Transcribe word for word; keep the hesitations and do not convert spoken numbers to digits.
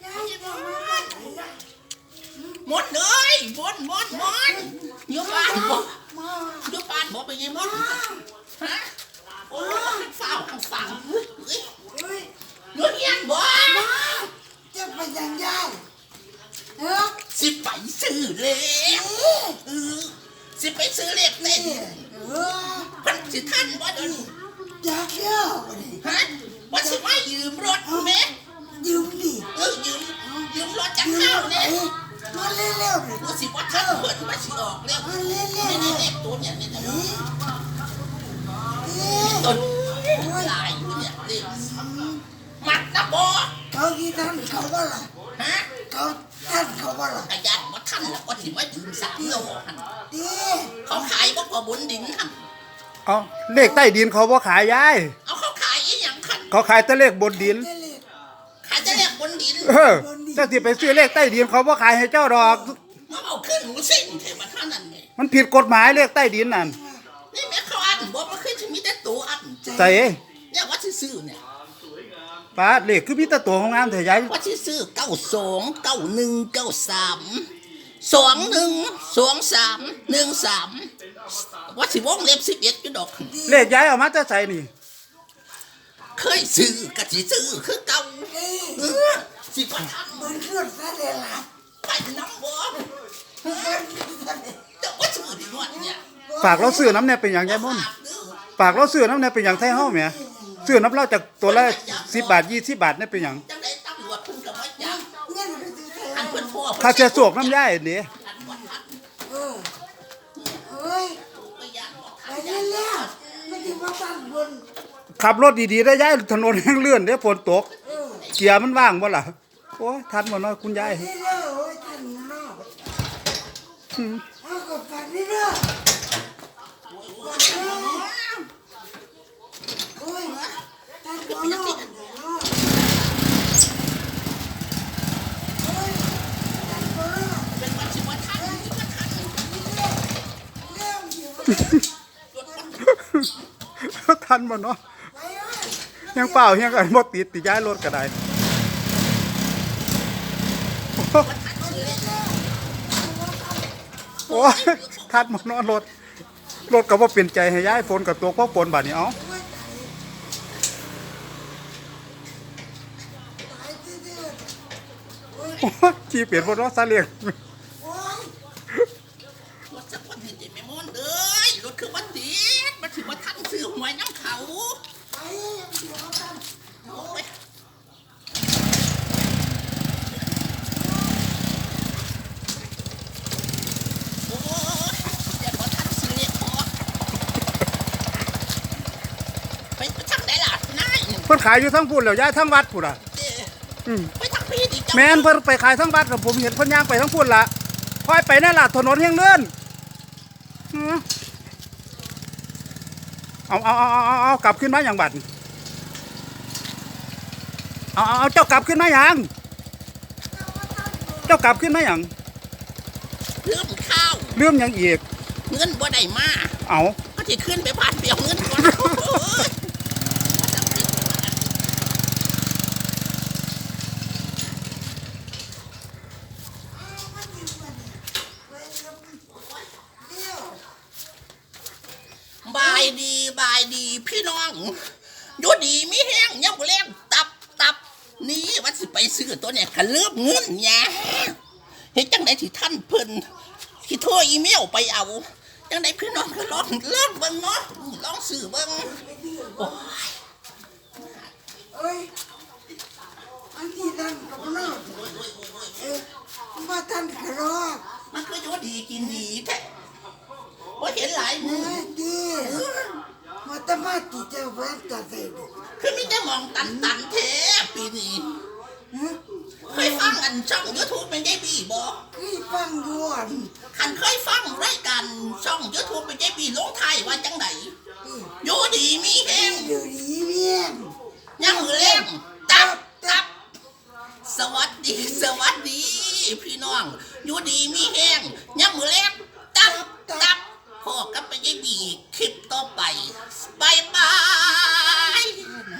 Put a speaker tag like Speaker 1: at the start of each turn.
Speaker 1: มดเลยมดมดมดเยอะบ้านบ่เยอะบ้านบ่ไปยังมดฮะโอ้ฝ้าวฝังเยอะแยะบ่
Speaker 2: จะไปยังไงเออ
Speaker 1: สิไปซื้อเล็กเออสิไปซื้อเล็กเต้น
Speaker 2: เออ
Speaker 1: มันสิท่านบ่เดิน
Speaker 2: อยากเที่ยว
Speaker 1: ฮะว่าสิมายืมรถแม่
Speaker 2: ยืมดิ
Speaker 1: เออยืมยืมรถจากข้าวเนี่ย
Speaker 2: มาเร็วๆเลย
Speaker 1: ว่าสิว่าท่านเปิดมาสิออกเร็วนี่นี่เล็กตัวเนี่ยนี่นะต้นลายเนี่ยเล็กมัดนะบ่
Speaker 2: เขากี่ท่านเขาว่าล่ะ
Speaker 1: ฮะ
Speaker 2: เขาท่านเขาว่าล่ะ
Speaker 1: อายัดว่าท่านแล้วก็ถือว่ายืมสามโลหัน
Speaker 2: ดี
Speaker 1: เขาขายบ่พอบุญดินหัน
Speaker 3: เอาเลขใต้ดินเขาบ่ขายยาย
Speaker 1: เอาเขาขายอีหยังคัน
Speaker 3: เขาขายแต่เลขบนดิน
Speaker 1: ขายแต่เลขบนดิน
Speaker 3: เออเจ้าที่ไปซื้อเลขใต้ดินเขาบ่ขายให้เจ้าดอก
Speaker 1: มาเอาขึ้นหนูสิ่งเทมาท่านนั่นไง
Speaker 3: มันผิดกฎหมายเลขใต้ดินนั่น
Speaker 1: นี่แม่เขาอันบ่มาขึ้นจะมีแต่ตัวอัน
Speaker 3: ใส่
Speaker 1: เนี่ยว่าซื้อเนี่ย
Speaker 3: ป้าเลขคือมีแต่ตัวของงามแต่ยาย
Speaker 1: ว่าซื้อเก้าสองเก้าหนึ่งเก้าสามสองหนึ่งสองสามหนึ่งสามว่าสิวงเล็บสิบเอ็ดจุดดอก
Speaker 3: เลขยายเอามาจะใส่นี่
Speaker 1: เคยซื้อกะสิซื้อคือเก่าเออสิบ่ทัน
Speaker 2: มันเคลื่อนซะเลยล่ะ
Speaker 1: ไปน้ำบ่แต่ว่าซื้อดีกว่าเนี่ย
Speaker 3: ฝากเราซื้อน้ำเนี่ยเป็นอย่างยายม่นฝากเราซื้อน้ำเนี่ยเป็นอย่างไทยเฮาแหมซื้อน้ำเราจากตัวละสิบบาทยี่สิบบาทเนี่ยเป็นอย่าง
Speaker 1: จังได๋ตำรวจเพิ่นก็บ่จับอันเพิ่นพ่อ
Speaker 3: ถ้าเสียสวกน้ำยายนี่
Speaker 2: เออเอ้ยไปเร็วๆไม่ถึงว่าตั้งบน
Speaker 3: ขับรถดีๆได้ยายถนนแห้งเลื่อนเด้ฝนตกเกียร์มันว่างบ่ล่ะโอ้ยทันบ่เนาะคุณยาย
Speaker 2: เร็วๆโอ้ยทันเนาะอืมเอาก็ไปเรื่อยโอ้ยทันบ่เนาะ
Speaker 3: ทันบ่เนาะยังเปล่ายังกันบ่ติดติย้ายรถก็ได้โอ้ยทันบ่เนาะรถรถก็บ่เปลี่ยนใจให้ย้ายฝนกับตัวพ่อฝนบาดนี้เอ้าขี่เปลี่ยนบ่เนาะซาเล้ง
Speaker 1: ซื้อหวยน้ำเขา
Speaker 3: เพิ่นขายอยู่ทั้งพุ่นแล้วย้ายทั้งวัดพุ่นอ่ะแม่นเพิ่นไปขายทั้งวัดกับผมเห็นเพิ่นย่างไปทั้งพุ่นละค่อยไปนั่นล่ะถนนแห่งเลื่อนเอาเอาเอาเอาเอากลับขึ้นมาอย่างบัดเอาเอาเจ้ากลับขึ้นมาอย่างเจ้ากลับขึ้นมาอย่าง
Speaker 1: เรื่องข้าว
Speaker 3: เรื่องยังอีก
Speaker 1: เงินบ่ได้มา
Speaker 3: เอา
Speaker 1: ก็จะขึ้นไปผ่านเปียวเงินก่อนบายดีบายดีพี่น้องอยู่ดีมีแห้งยังบ่แรงตับตับนี่ว่าสิไปซื้อตัวเนี่ยก็เลิกเงินเนี่ยเฮ็ดจังได๋ที่ท่านเพิ่นสิโทรอีเมลไปเอาจังได๋พี่น้องก็ลองลองเบิ่งเนาะลองซื้อเบิ่งโอ้ย
Speaker 2: เอ้ยอันที่นั่นก็เนาะเออมาท่านก็รอ
Speaker 1: มันคืออยู่ดีกินดีแท้บ่เห็นหลายมื้อ
Speaker 2: ดีมาตะมาติเจ้าแว่นตาใส่ดิ
Speaker 1: คือมีแต่มองตันตันแท้ปีนี้เคยฟังอันช่อง YouTube เป็นได้บีบ่
Speaker 2: เคยฟังอยู่อัน
Speaker 1: คันเคยฟังรายการช่อง YouTube เป็นได้บีลงท้ายว่าจังได๋อยู่ดีมีแฮง
Speaker 2: อยู่ดีมีแฮง
Speaker 1: ยังมือแรงตับตับสวัสดีสวัสดีพี่น้องอยู่ดีมีแฮงยังมือแรงตับตับพ่อกับไปได้บีคลิปต่อไปบายบาย